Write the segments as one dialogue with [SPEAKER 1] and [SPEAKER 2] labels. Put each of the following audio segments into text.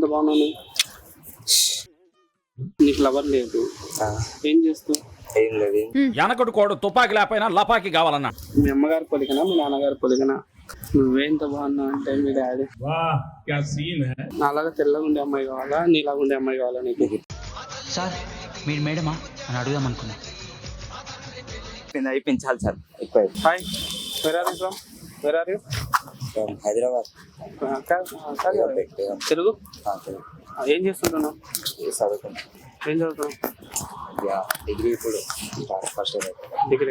[SPEAKER 1] బాగున్నాను. నీకు లవర్ లేదు, ఏం చేస్తావు?
[SPEAKER 2] ఏం లేదు.
[SPEAKER 3] వెనకటి కోడు తుపాకి లేకపోయినా లపాకి కావాలన్నా.
[SPEAKER 1] మీ అమ్మగారి పొలికనా మీ నాన్నగారి పొలికనా? నువ్వేంత బాగున్నావు అంటే మీ డాడీ నాలాగా తెల్లగా ఉండే అమ్మాయి కావాలా, నీలాగా ఉండే అమ్మాయి కావాలా నీకు?
[SPEAKER 4] సార్ మీరు మేడమా అని అడుగుదాం అనుకున్నా.
[SPEAKER 2] అయిపోయింది చాలు సార్, ఎక్కువ.
[SPEAKER 1] Hi, where are you from? Where are you?
[SPEAKER 2] Hyderabad.
[SPEAKER 1] Telugu? ఏం చేస్తుంటున్నావు?
[SPEAKER 2] చదువుకున్నా.
[SPEAKER 1] ఏం చదువుతున్నావు?
[SPEAKER 2] డిగ్రీ ఇప్పుడు ఫస్ట్ ఇయర్.
[SPEAKER 1] డిగ్రీ.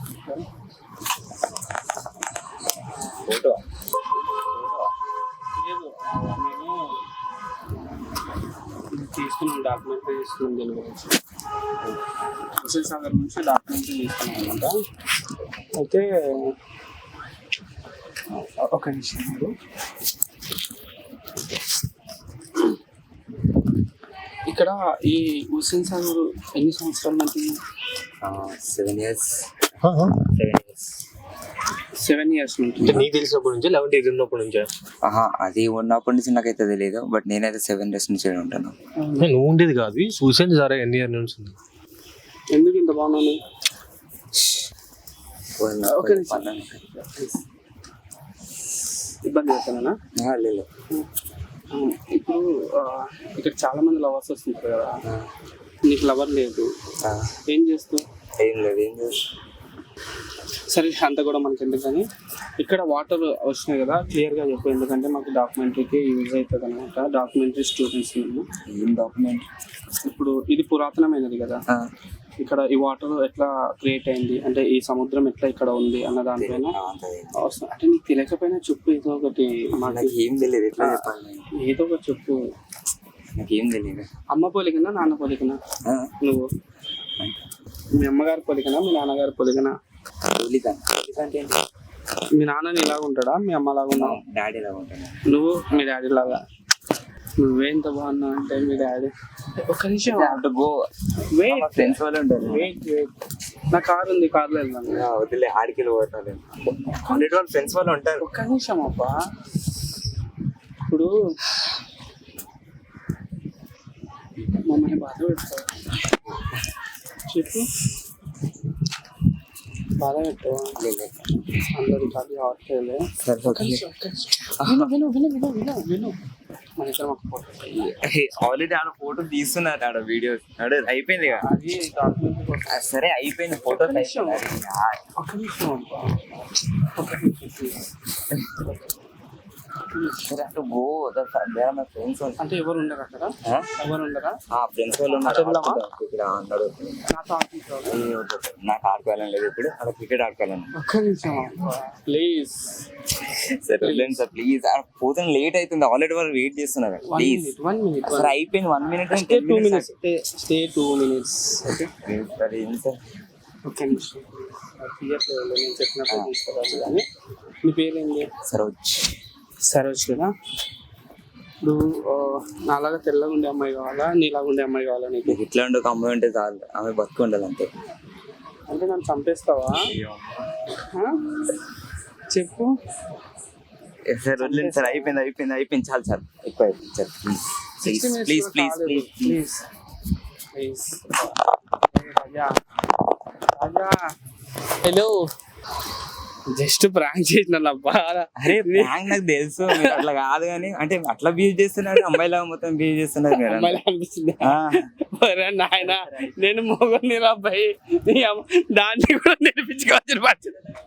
[SPEAKER 2] ఫోటో
[SPEAKER 1] లేదు, మేము తీసుకున్నాం, డాక్యుమెంటరీ తీసుకున్నాం దీని గురించి. హుస్సేన్ సాగర్ నుంచి డాక్యుమెంటరీ తీసుకున్నాం అనమాట. అయితే ఒక నిమిషం మీరు. ఇక్కడ ఈ హుస్సేన్ సాగర్ ఎన్ని సంవత్సరాలు ఉంటుంది?
[SPEAKER 2] 7 years.
[SPEAKER 1] 7 years నుంచి.
[SPEAKER 5] నీకు తెలిసినప్పటి నుంచి 11 ఉన్నప్పటి నుంచా?
[SPEAKER 2] అది ఉన్నప్పటి నుంచి నాకైతే తెలియదు, బట్ నేనైతే 7 years నుంచి ఉంటాను.
[SPEAKER 5] నువ్వు ఉండేది కాదు, చూసాను సరే ఎన్ని ఇయర్ నుంచి ఉంది.
[SPEAKER 1] ఎందుకు ఇంత బాగున్నాను? ఇబ్బంది అవుతానా?
[SPEAKER 2] లేదు.
[SPEAKER 1] ఇప్పుడు ఇక్కడ చాలా మంది లవర్స్ వస్తుంటారు కదా, నీకు లవర్ లేదు, ఏం చేస్తావు?
[SPEAKER 2] ఏం లేదు.
[SPEAKER 1] సరే, అంత కూడా మనకి ఎందుకని. ఇక్కడ వాటర్ వచ్చినాయి కదా, క్లియర్గా చెప్పు, ఎందుకంటే మాకు డాక్యుమెంటరీకి యూజ్ అవుతుంది అనమాట. డాక్యుమెంటరీ స్టూడెంట్స్ మేము.
[SPEAKER 2] ఏం డాక్యుమెంట్?
[SPEAKER 1] ఇప్పుడు ఇది పురాతనమైనది కదా, ఇక్కడ ఈ వాటర్ ఎట్లా క్రియేట్ అయింది అంటే ఈ సముద్రం ఎట్లా ఇక్కడ ఉంది అన్న దానిపైన అవసరం. అంటే నీకు తెలియకపోయినా చెప్పు, ఏదో ఒకటి.
[SPEAKER 2] నాకు ఏం తెలియదు, ఎట్లా చెప్పాలి?
[SPEAKER 1] ఏదో ఒకటి చెప్పు.
[SPEAKER 2] నాకేం తెలియదు.
[SPEAKER 1] అమ్మ పోలికనా నాన్న పోలికనా నువ్వు? మీ అమ్మగారి పొలికనా మీ నాన్నగారి పొలికనా?
[SPEAKER 2] అంటే
[SPEAKER 1] మీ నాన్నని ఇలాగ ఉంటాడా, మీ అమ్మ లాగా ఉన్నావు?
[SPEAKER 2] డాడీ లాగా ఉంటాను.
[SPEAKER 1] నువ్వు మీ డాడీ లాగా. నువ్వేంత బాగున్నావు అంటే మీ డాడీ. ఒక్క నిమిషం,
[SPEAKER 2] ఫ్రెండ్స్ వాళ్ళు ఉంటారు.
[SPEAKER 1] వెయిట్. నా కార్ ఉంది, కార్లో వెళ్దాం.
[SPEAKER 2] వదిలే, ఆడికి పోతాను. వాళ్ళ ఫ్రెండ్స్ వాళ్ళు ఉంటారు.
[SPEAKER 1] ఒక్క నిమిషం అబ్బా. ఇప్పుడు మమ్మల్ని బాధ పెడతావు, చెప్పు. బాధ పెట్టావా? అందరికి అది ఆడలేదు. విను మన ఇద్దరం ఒక ఫోటో.
[SPEAKER 2] ఆల్రెడీ ఆడ ఫోటో తీస్తున్నారు, ఆడ వీడియో అయిపోయింది కదా.
[SPEAKER 1] అది డాక్యుమెంట్.
[SPEAKER 2] సరే అయిపోయింది, ఫోటో.
[SPEAKER 1] ఒక నిమిషం అబ్బా, ఒక నిమిషం.
[SPEAKER 2] ఫ్రెండ్స్
[SPEAKER 1] అంటే ఎవరు ఉండరు అక్కడ? ఎవరు ఉండరా?
[SPEAKER 2] ఫ్రెండ్స్ వాళ్ళు ఉన్నారు. నాకు ఆడుకోవాలని లేదు ఇప్పుడు, అలా క్రికెట్ ఆడుకోవాలని.
[SPEAKER 1] ఒక్క నిమిషం ప్లీజ్.
[SPEAKER 2] సరే వెళ్ళండి సార్ ప్లీజ్. పోతాను, లేట్ అవుతుంది, ఆల్రెడీ వాళ్ళు వెయిట్ చేస్తున్నారు. Please
[SPEAKER 1] 1 minute.
[SPEAKER 2] సరే అయిపోయింది, 1 minute.
[SPEAKER 1] Stay 2 minutes. Stay 2 minutes.
[SPEAKER 2] సరే ఏంటి సార్?
[SPEAKER 1] ఒక్క నిమిషం. తీయట్లేదు, నేను చెప్పినప్పుడు తీసుకోవాలి. కానీ నీ పేరేంటి? సరోజ్ కదా. ఇప్పుడు నాలాగా తెల్లగా ఉండే అమ్మాయి కావాలా, నీలాగా ఉండే అమ్మాయి కావాలా నీకు?
[SPEAKER 2] ఇట్లా ఉండే ఒక అమ్మాయి ఉంటే చాలు, ఆమె బతుకు ఉండాలి అంతే.
[SPEAKER 1] అంటే నన్ను చంపేస్తావా? చెప్పు.
[SPEAKER 2] సార్ వదిలేదు సార్, అయిపోయింది చాలు సార్, ఎక్కువ అయిపోయింది sir. Please.
[SPEAKER 1] Hello, just prank చేసిన అబ్బా.
[SPEAKER 2] అరే ప్రాంక్ నాకు తెలుసు, మీరు అట్లా కాదు కానీ, అంటే అట్లా బిహేవ్ చేస్తున్నారు, అమ్మాయిలా మొత్తం బిహేవ్ చేస్తున్నారు మీరు.
[SPEAKER 1] అమ్మాయిలా అనిపిస్తుంది నాయన. నేను మొగని అబ్బాయి, దాన్ని కూడా నేర్పించుకోవచ్చు.